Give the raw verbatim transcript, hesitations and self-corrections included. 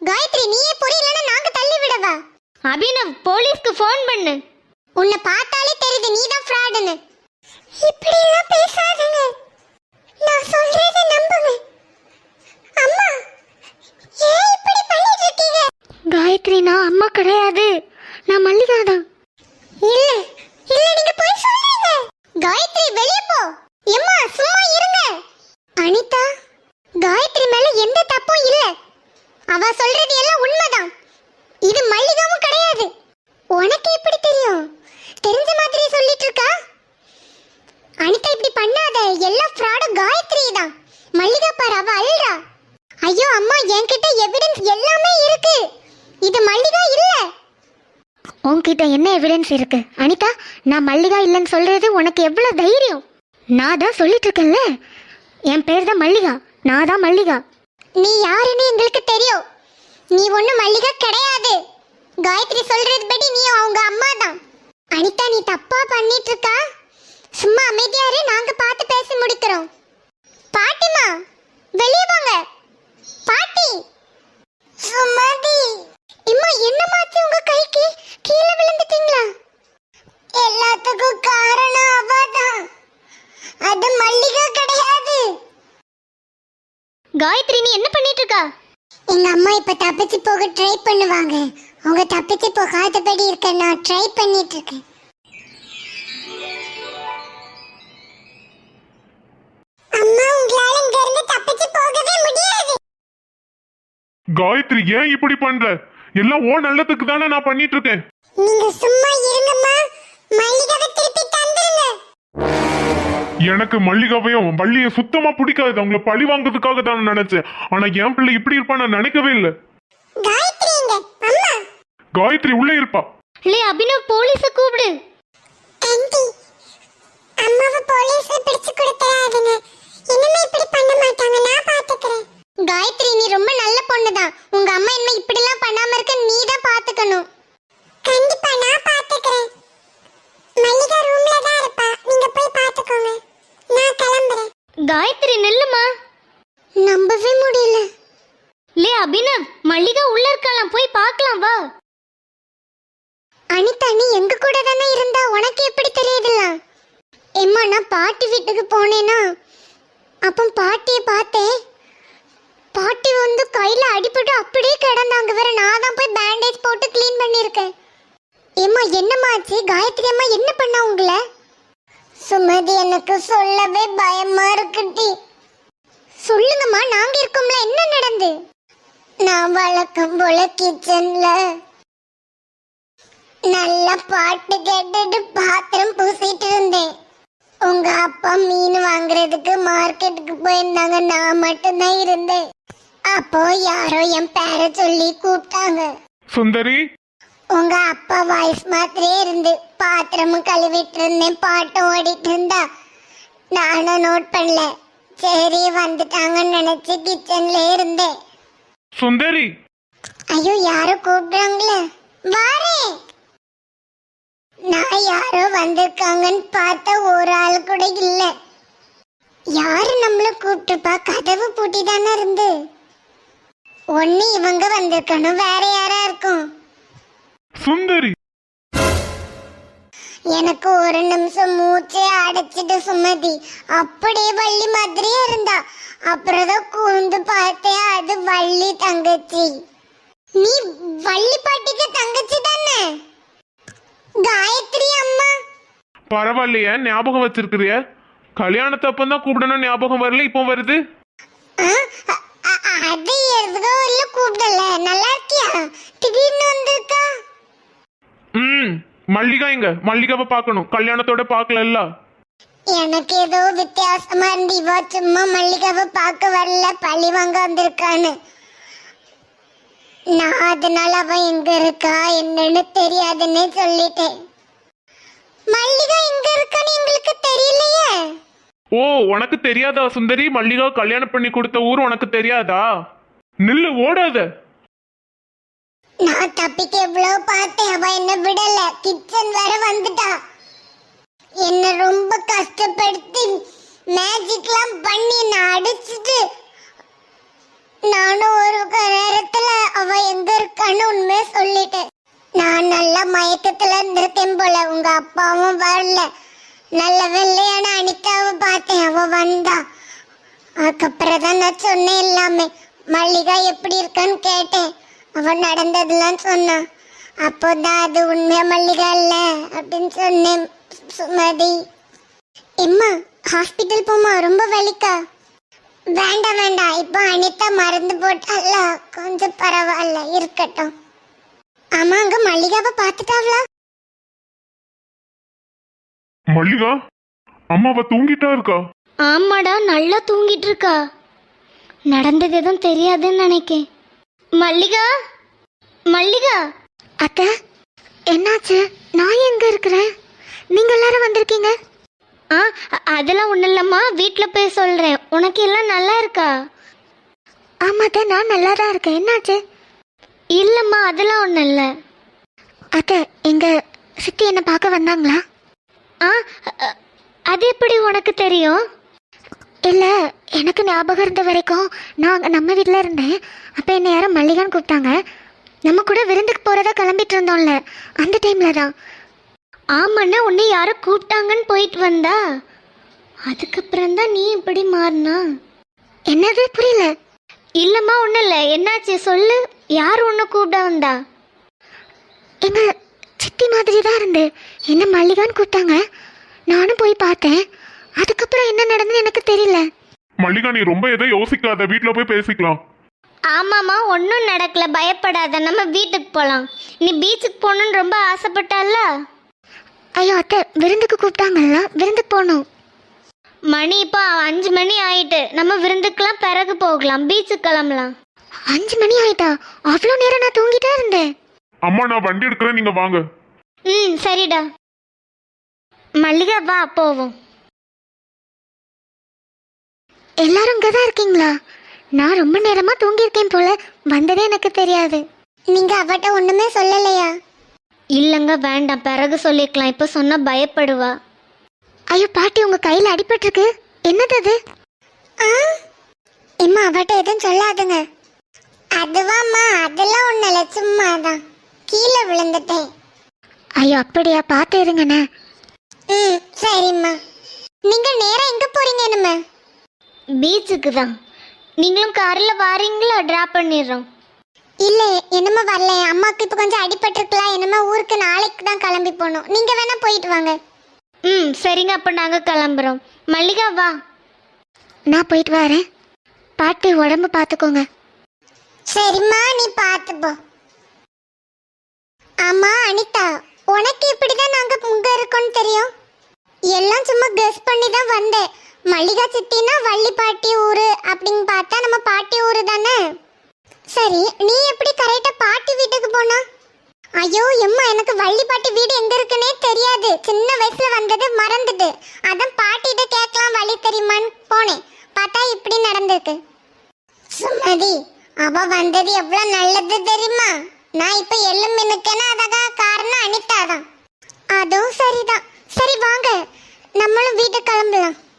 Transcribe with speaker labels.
Speaker 1: காயத்ரி நீயே புரியலன்னா நாங்க தள்ளி விடவா?
Speaker 2: அபினவ் போலீஸ்க்கு ஃபோன் பண்ணு.
Speaker 1: உன்னை பார்த்தாலே தெரியுது நீதான் ஃப்ராடுன்னு. இப்படி எல்லாம் பேசாதீங்க, நான் சொல்றதை நம்புங்க. அம்மா ஏன் இப்படி பண்ணிட்டு இருக்கீங்க?
Speaker 2: காயத்ரி நான் அம்மா கிடையாது, நான் மல்லிகா தான்.
Speaker 1: இல்ல இல்ல நீங்க போய் சொல்றீங்க. காயத்ரி வெளியே போ. அம்மா சும்மா இருங்க. அனிதா, காயத்ரி மேல எந்த தப்பும் இல்ல. அவ சொல்றது எல்லாம் உண்மைதான். இது மல்லிகாவும் கிடையாது. உனக்கு எப்படி தெரியும்? தெரிஞ்ச மாதிரி சொல்லிட்டு இருக்கா. அனிதா இப்படி பண்ணாத, எல்லா ஃப்ராடும் காயத்ரி தான். மல்லிகா பாரு அவ அல்றா. ஐயோ அம்மா என்கிட்ட எவிடன்ஸ் எல்லாமே இருக்கு. இது மல்லிகா இல்ல.
Speaker 2: உன்கிட்ட என்ன எவிடன்ஸ் இருக்கு? அனிதா நான் மல்லிகா இல்லைன்னு சொல்றது உனக்கு எவ்வளவு தைரியம்? நான் தான் சொல்லிட்டு இருக்கேன்ல, என் பேர் தான் மல்லிகா, நான் தான் மல்லிகா.
Speaker 1: நீ யாருன்னு எங்களுக்கு தெரியும். நீ ஒண்ணு மல்லிகா கிடையாது. காயத்ரி சொல்றது படி நீ அவங்க அம்மா தான். அனிதா நீ தப்பா பண்ணிட்டு இருக்கா. சும்மா அமைதியா இரு, நாங்க பார்த்து பேசி முடிக்கிறோம். பாட்டிமா வெளியே வாங்க. பாட்டி சுமதி. இம்மா என்னமாச்சு உங்க கைக்கு? கீழே விழுந்துட்டீங்களா? எல்லாத்துக்கும் காரணம் அவதான், அது மல்லிகா கிடையாது.
Speaker 2: காயத்ரி நீ என்ன பண்ணிட்டு இருக்கா?
Speaker 1: எங்க அம்மா இப்ப தப்பிச்சு போக ட்ரை பண்ணுவாங்க. அவங்க தப்பிச்சு போகாதபடி இருக்க நான் ட்ரை பண்ணிட்டு இருக்கேன். அம்மா உங்களால இங்க இருந்து தப்பிச்சு போகவே முடியாது.
Speaker 3: காயத்ரி ஏன் இப்படி பண்ற? எல்லாம் ஓ நல்லதுக்கு தானே நான் பண்ணிட்டு இருக்கேன்.
Speaker 1: நீங்க சும்மா இருங்கம்மா, மல்லிகாவை திருப்பி தந்துருங்க.
Speaker 3: எனக்கு மல்லிகாவையும் வள்ளியும் சுத்தமா பிடிக்காது. அவங்கள பழி வாங்குறதுக்காக தான் நினைச்சேன். ஆனா என் பிள்ளை இப்படி இருப்பான்னு நான் நினைக்கவே இல்லை.
Speaker 1: காயத்ரி எங்க? அம்மா
Speaker 3: காயத்ரி உள்ள இருப்பா.
Speaker 2: லே அபினவ் போலீஸ கூப்பிடு.
Speaker 1: ஆண்டி அம்மாவை போலீஸ்ல பிடிச்சு கொடுத்துறாதீங்க. இனிமே இப்படி பண்ண மாட்டாங்க, நான் பாத்துக்கிறேன். காயத்ரி நீ ரொம்ப நல்ல பொண்ணுதான். உங்க அம்மா இனிமே இப்படி எல்லாம் பண்ணாம இருக்க நீ தான் பாத்துக்கணும். கண்டிப்பா நான் பாத்துக்கிறேன். மல்லிகா ரூம்ல தான் இருப்பா, நீங்க போய் பாத்துக்கோங்க. நான் கிளம்புறேன்.
Speaker 2: காயத்ரி நில்லுமா.
Speaker 1: நம்பவே முடியல.
Speaker 2: லே அபினவ் மல்லிகா உள்ள இருக்கலாம், போய் பார்க்கலாம் வா.
Speaker 1: அனிதா நீ எங்க கூட தானே இருந்தா, உனக்கு எப்படி தெரியுதுல்ல? எம்மா நான் பாட்டி வீட்டுக்கு போனேனா, அப்ப பாட்டியை பார்த்தேன். பாட்டி வந்து கையில அடிபட்டு அப்படியே கிடந்தாங்க. வேற நான் தான் போய் பேண்டேஜ் போட்டு க்ளீன் பண்ணிருக்கேன். எம்மா என்னமாச்சு? காயத்ரி அம்மா என்ன பண்ணா உங்களை? சுமதி எனக்கு சொல்லவே பயமா இருக்குடி. சொல்லுங்கம்மா, நாங்க இருக்கோம்ல, என்ன நடந்து? நான் வழக்கம் போல கிச்சன்ல நல்ல பாட்டு கேட்டுட்டு பாத்திரம் பூசிட்டு இருந்தேன். உங்க அப்பா மீன் வாங்குறதுக்கு மார்க்கெட்டுக்கு போயிருந்தாங்க, நான் மட்டும்தான் இருந்தேன். அப்போ யாரோ என் பேரை சொல்லி கூப்பிட்டாங்க.
Speaker 3: சுந்தரி.
Speaker 1: உங்க அப்பா வாய்ஸ் மாதிரியே இருந்து பாத்திரமும் கழுவிட்டு இருந்தேன், பாட்டும் ஓடிட்டு இருந்தா. நானும் நோட் பண்ணல, சரி வந்துட்டாங்கன்னு நினைச்சு கிச்சன்ல இருந்தேன்.
Speaker 3: சுந்தரி.
Speaker 1: ஐயோ யாரோ கூப்பிடுறாங்களே, வாரேன். நான் யாரோ வந்திருக்காங்கன்னு பார்த்தா ஒரு ஆள் கூட இல்ல. யாரு நம்மள கூப்பிட்டுப்பா? கதவு பூட்டி தானே இருந்து. ஒண்ணு இவங்க வந்திருக்கணும், வேற யாரா இருக்கும்.
Speaker 3: சுந்தரி.
Speaker 1: எனக்கு ஒரு நிமிஷம் மூச்சே அடைச்சிட்டு சுமதி. அப்படியே வள்ளி மாதிரியே இருந்தா. அப்புறம் தான் கூர்ந்து பார்த்தேன், அது வள்ளி தங்கச்சி. நீ வள்ளி பாட்டிக்கு தங்கச்சி தானே? காயத்ரி அம்மா.
Speaker 3: பரவாயில்லையா, ஞாபகம் வச்சிருக்கிறிய? கல்யாணத்தப்ப தான் கூப்பிடணும் ஞாபகம் வரல, இப்போ வருது.
Speaker 1: அது எதுக்கோ இல்ல கூப்பிடல. நல்லா இருக்கியா? திடீர்னு வந்திருக்கா.
Speaker 3: ம் மல்லிகா எங்க? மல்லிகாவை பார்க்கணும், கல்யாணத்தோட பார்க்கல.
Speaker 1: எனக்கு ஏதோ வித்தியாசமா இருந்து இவ சும்மா மல்லிகாவை பார்க்க வரல, பழி வாங்க வந்திருக்கான்னு. நான் அதனால அவ எங்க இருக்கா என்னன்னு தெரியாதுன்னு சொல்லிட்டேன். மல்லிகா எங்க இருக்கான்னு எங்களுக்கு தெரியலையே.
Speaker 3: ஓ உனக்கு தெரியாதா சுந்தரி? மல்லிகா கல்யாணம் பண்ணி கொடுத்த ஊர் உனக்கு தெரியாதா? நில்லு, ஓடாத.
Speaker 1: நான் தப்பிக்க எவ்வளவு பார்த்தேன், அவ என்ன விடல. கிச்சன் வர வந்துட்டா. என்ன ரொம்ப கஷ்டப்படுத்தி மேஜிக்லாம் பண்ணி நான் அடிச்சுட்டு நானும் ஒரு நேரத்துல அவ எங்க இருக்கான்னு உண்மையை சொல்லிட்டேன். நான் நல்ல மயக்கத்துல இருந்திருக்கேன் போல. உங்க அப்பாவும் வரல. நல்ல வெள்ளையான அனிதாவை பார்த்தேன், அவ வந்தா. அதுக்கப்புறம் தான் நான் சொன்னேன் எல்லாமே. மல்லிகா எப்படி இருக்கான்னு கேட்டேன். அவ நடந்ததெல்லாம் சொன்னான். அப்போதான் அது உண்மையா மல்லிகா இல்ல அப்படின்னு சொன்னேன். சுமதி, எம்மா ஹாஸ்பிட்டல் போமா, ரொம்ப வலிக்கா? வேண்டாம் வேண்டாம், இப்போ அனிதா மருந்து போட்டால கொஞ்சம் பரவாயில்ல, இருக்கட்டும். ஆமா, அங்க மல்லிகாவை பார்த்துட்டாவளா?
Speaker 3: மல்லிகா அம்மாவ தூங்கிட்டா இருக்கா?
Speaker 2: ஆமாடா, நல்லா தூங்கிட்டு இருக்கா. நடந்தது எதுவும் தெரியாதுன்னு நினைக்கேன். மல்லிகா, மல்லிகா. அத்தை, என்னாச்சு? நான் எங்க இருக்கிறேன்? நீங்க எல்லாரும் வந்திருக்கீங்க? ஆ, அதெல்லாம் ஒன்றும் இல்லைம்மா, வீட்டில் போய் சொல்கிறேன். உனக்கு எல்லாம் நல்லா இருக்கா? ஆமாத்த, நான் நல்லா தான் இருக்கேன். என்னாச்சு? இல்லைம்மா, அதெல்லாம் ஒன்றும் இல்லை. அத்தை, எங்கள் சித்தி என்னை பார்க்க வந்தாங்களா? ஆ, அது எப்படி உனக்கு தெரியும்? இல்லை, எனக்கு ஞாபகம் இருந்த வரைக்கும் நான் அங்கே நம்ம வீட்டில் இருந்தேன். அப்போ என்னை யாரும் மல்லிகான்னு கூப்பிட்டாங்க. நம்ம கூட விருந்துக்கு போகிறதா கிளம்பிட்டு இருந்தோம்ல, அந்த டைமில் தான். ஆமாண்ணா, உன்னை யாரோ கூப்பிட்டாங்கன்னு போயிட்டு வந்தா. அதுக்கப்புறம் தான் நீ இப்படி மாறினா. என்னது, புரியல? இல்லைம்மா, ஒன்றும் இல்லை. என்னாச்சு சொல்லு. யார் உன்னை கூப்பிட வந்தா? எங்கள் சித்தி மாதிரி தான் இருந்து என்ன மல்லிகான்னு கூப்பிட்டாங்க. நானும் போய் பார்த்தேன். அதுக்கப்புறம் என்ன நடந்தது எனக்கு தெரியல.
Speaker 3: மல்லிகா, நீ ரொம்ப எதை யோசிக்காத, வீட்டுல போய் பேசிக்கலாம்.
Speaker 2: ஆமாம்மா, ஒன்றும் நடக்கல, பயப்படாத. நம்ம வீட்டுக்கு போகலாம். நீ பீச்சுக்கு போகணுன்னு ரொம்ப ஆசைப்பட்டால. ஐயோ அத்தை, விருந்துக்கு கூப்பிட்டாங்கல்ல, விருந்துக்கு போகணும். மணி இப்போ அஞ்சு மணி ஆயிட்டு. நம்ம விருந்துக்கெல்லாம் பிறகு போகலாம், பீச்சுக்கு கிளம்பலாம். அஞ்சு மணி ஆயிட்டா? அவ்வளோ நேரம் நான் தூங்கிட்டே இருந்தேன்.
Speaker 3: அம்மா, நான் வண்டி எடுக்கிறேன், நீங்க வாங்க.
Speaker 2: ம், சரிடா. மல்லிகா, வா போவோம். எல்லாரும் இங்கே தான் இருக்கீங்களா? நான் ரொம்ப நேரமாக தூங்கியிருக்கேன் போல, வந்ததே எனக்கு தெரியாது.
Speaker 1: நீங்க அவட்ட ஒண்ணுமே சொல்லலையா?
Speaker 2: இல்லைங்க, வேண்டாம், பிறகு சொல்லிக்கலாம். இப்போ சொன்னால் பயப்படுவா. ஐயோ பாட்டி, உங்கள் கையில் அடிபட்டிருக்கு. என்னது அது?
Speaker 1: ஆ, எம்மா அவட்ட எதுவும் சொல்லாதுங்க. அதுவாம்மா, அதெல்லாம் ஒண்ணு இல்ல, சும்மாதான் கீழே விழுந்துட்டேன்.
Speaker 2: ஐயோ அப்படியா, பார்த்து இருங்கண்ணே.
Speaker 1: ம், சரிம்மா. நீங்க நேரா எங்க போறீங்க? என்னம்மா?
Speaker 2: பீச்சுக்கு தான். நீங்களும் காரில் வாரீங்களா? ட்ராப் பண்ணிடுறோம்.
Speaker 1: இல்ல, என்னம்மா வரல. அம்மாவுக்கு இப்போ கொஞ்சம் அடிபட்டிருக்கலாம். என்னம்மா ஊருக்கு நாளைக்கு தான் கிளம்பி போகணும். நீங்க வேணா போயிட்டு வாங்க.
Speaker 2: ம், சரிங்க, அப்போ நாங்கள் கிளம்புறோம். மல்லிகா, வா. நான் போயிட்டு வரேன். பாட்டி, உடம்பு பார்த்துக்கோங்க.
Speaker 1: சரிம்மா, நீ பார்த்து போ. ஆமா அனிதா, உனக்கு இப்படிதான் நாங்க இங்க இருக்கோம்னு தெரியும்? எல்லாம் சும்மா கெஸ் பண்ணி தான் வந்தேன். மல்லிகா சித்தினா வள்ளி பாட்டி ஊரு அப்படின்னு பார்த்தா நம்ம பாட்டி ஊரு தானே. சரி, நீ எப்படி கரெக்டா பாட்டி வீட்டுக்கு போனா? ஐயோ எம்மா, எனக்கு வள்ளி பாட்டி வீடு எங்க இருக்குன்னே தெரியாது. சின்ன வயசுல வந்தது மறந்துட்டு, அதான் பாட்டிகிட்ட கேட்கலாம் வழி தெரியுமான்னு போனேன். பார்த்தா இப்படி நடந்திருக்கு. சுமதி, அவ வந்தது எவ்வளவு நல்லது தெரியுமா? நான் இப்ப எள்ளும் மின்னுக்கேன்னா அதான் காரணம் அனிதா தான். அதுவும் சரிதான். சரி வாங்க, நம்மளும் வீட்டுக்கு கிளம்பலாம்.